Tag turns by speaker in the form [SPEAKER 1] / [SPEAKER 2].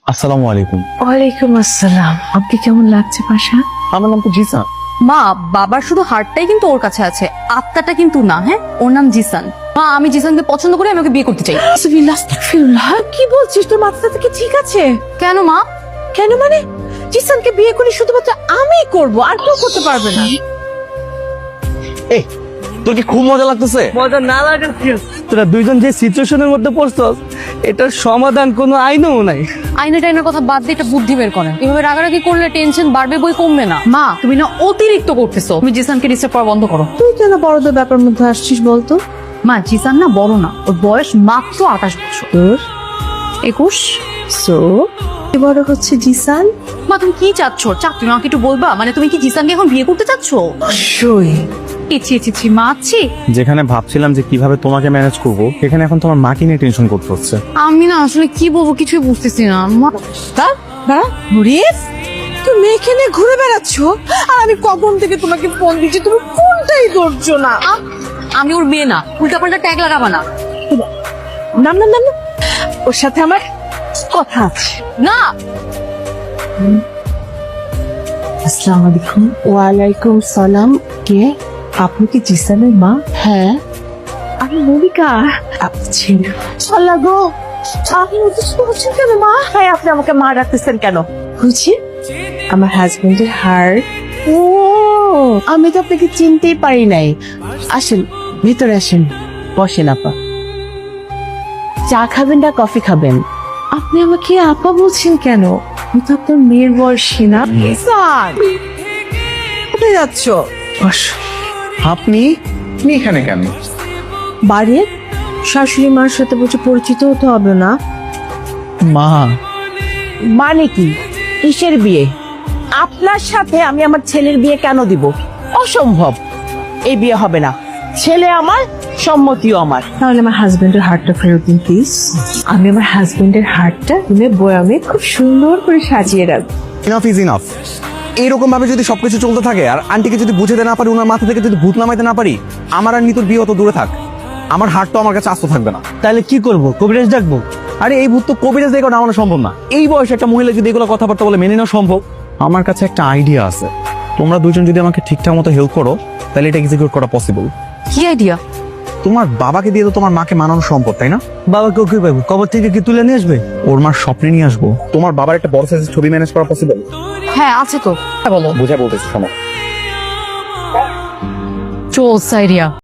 [SPEAKER 1] আসসালামু আলাইকুম।
[SPEAKER 2] ওয়ালাইকুম আসসালাম। আপনি কেমন লাগছে পাশা?
[SPEAKER 1] আমার নাম তো জিসান।
[SPEAKER 3] মা, বাবার শুধু হার্টটাই কিন্তু ওর কাছে আছে, আত্মাটা কিন্তু না। হ্যাঁ, ওর নাম জিসান। মা, আমি জিসানকে পছন্দ করি, আমি ওকে বিয়ে করতে চাই।
[SPEAKER 2] আস্তাগফিরুল্লাহ, আস্তাগফিরুল্লাহ। কি বলছিস? তোর মাথাটা কি ঠিক আছে?
[SPEAKER 3] কেন মা?
[SPEAKER 2] কেন মানে? জিসানকে বিয়ে করি শুধুমাত্র আমিই করব, আর কেউ করতে পারবে না।
[SPEAKER 1] এই, তোর কি খুব মজা লাগতেছে?
[SPEAKER 4] মজা না লাগার কি আছে? তোরা দুইজন যে সিচুয়েশনের মধ্যে পড়ছস, এটার সমাধান কোনো আইনও নাই।
[SPEAKER 3] আইনা টাইনার কথা বাদ দিয়ে এটা বুদ্ধি বের করেন। এভাবে রাগারাগি করলে টেনশন বাড়বে, বই কমবে না। মা, তুমি না অতিরিক্ত করতেছো। তুমি জিসানকে ডিস্টার্ব করা বন্ধ করো।
[SPEAKER 2] তুই কেন বড়দের ব্যাপার মধ্যে আসছিস বলতো?
[SPEAKER 3] মা, জিসান না বড় না, ওর বয়স মাত্র 28 বছর।
[SPEAKER 2] তোর
[SPEAKER 3] 21।
[SPEAKER 2] সো বড় হচ্ছে জিসান।
[SPEAKER 3] মা, তুমি কি চাচ্ছ? তুমি আমাকে একটু বলবা, মানে তুমি কি জিসানকে এখন বিয়ে করতে চাচ্ছ?
[SPEAKER 2] সই
[SPEAKER 3] ছি, মা আছি।
[SPEAKER 1] যেখানে ভাবছিলাম যে কিভাবে তোমাকে ম্যানেজ করব, সেখানে এখন তোমার মাকে নিয়ে টেনশন করতে হচ্ছে।
[SPEAKER 3] আমি না আসলে কি বলবো কিছুই বুঝতেছি না। মা,
[SPEAKER 2] নুরিস, তুই মেয়েকে নিয়ে ঘুরে বেড়াচ্ছ, আর আমি কখন থেকে তোমাকে ফোন দিচ্ছি, তুমি ফোনটাই ধরছো না।
[SPEAKER 3] আমি ওর মেয়ে না, উল্টাপাল্টা ট্যাগ লাগাবা না।
[SPEAKER 2] না না না না, ওর সাথে আমার কথা আছে।
[SPEAKER 3] না,
[SPEAKER 2] আসসালামু আলাইকুম। ওয়ালাইকুম সালাম। কে আপনি? কি জিসানের মা? হ্যাঁ, আমি মনিকা। আপনি ছেলে চলা গো, আপনি উদ্দেশ্য হচ্ছেন কেন মা? হ্যাঁ, আপনি আমাকে মা রাখতেছেন কেন? বুঝি আমার হাজবেন্ডের হার্ট। ও, আমি তো আপনাকে চিনতেই পারি নাই। আসেন ভিতরে আসেন, বসেন আপা। চা খাবেন না কফি খাবেন? আপনি আমাকে আপা বলছেন কেন? আমি তো আপনার মেয়ের বয়সী না। স্যার, কোথায় যাচ্ছ? বস।
[SPEAKER 1] আপনি এখানে কেন?
[SPEAKER 2] বাড়ির শাশুড়ি মার সাথে বলছে পরিচিত হতে হবে না?
[SPEAKER 1] মা,
[SPEAKER 2] মানে কি? কিসের বিয়ে? আপনার সাথে আমি আমার ছেলের বিয়ে কেন দিব? অসম্ভব, এই বিয়ে হবে না। ছেলে আমার, সম্মতিও আমার। তাহলে আমার হাজবেন্ডের হার্টটা ফেরত দিন প্লিজ। আমি আমার হাজবেন্ডের হার্টটা রুমে বয়ামে খুব সুন্দর করে সাজিয়ে রাখবো।
[SPEAKER 1] Enough is enough. এইরকম ভাবে যদি সবকিছু চলতে থাকে, আর আন্টিকে যদি বুঝাতে না পারি, ওনার মাথা থেকে যদি ভূত নামাইতে না পারি, আমার আর নিতুর বিয়ে অত দূরে থাক, আমার হার্ট তো আমার কাছে আস্ত থাকবে না।
[SPEAKER 4] তাহলে কি করব? কবিরাজ ডাকবো?
[SPEAKER 1] আরে এই ভূত তো কবিরাজ দেখো নামানো সম্ভব না। এই বয়সে একটা মহিলা যদি এগুলো কথাবার্তা বলে মেনে নেওয়া সম্ভব? আমার কাছে একটা আইডিয়া আছে। তোমরা দুজন যদি আমাকে ঠিকঠাক মতো হেল্প করো, তাহলে এটা এক্সিকিউট করা পসিবল।
[SPEAKER 3] কি আইডিয়া?
[SPEAKER 1] তোমার বাবাকে দিয়ে তো তোমার মাকে মানানো সম্ভব, তাই না?
[SPEAKER 4] বাবাকে কি পাবো? কবর থেকে কি তুলে নিয়ে আসবে?
[SPEAKER 1] ওর মার স্বপ্নে নিয়ে আসবো। তোমার বাবার একটা বড় সাইজের ছবি ম্যানেজ করা পসিবল?
[SPEAKER 3] হ্যাঁ, আছে তো। বলো।
[SPEAKER 1] বুঝা বলতেছি, শোনো।
[SPEAKER 3] চোস আইডিয়া।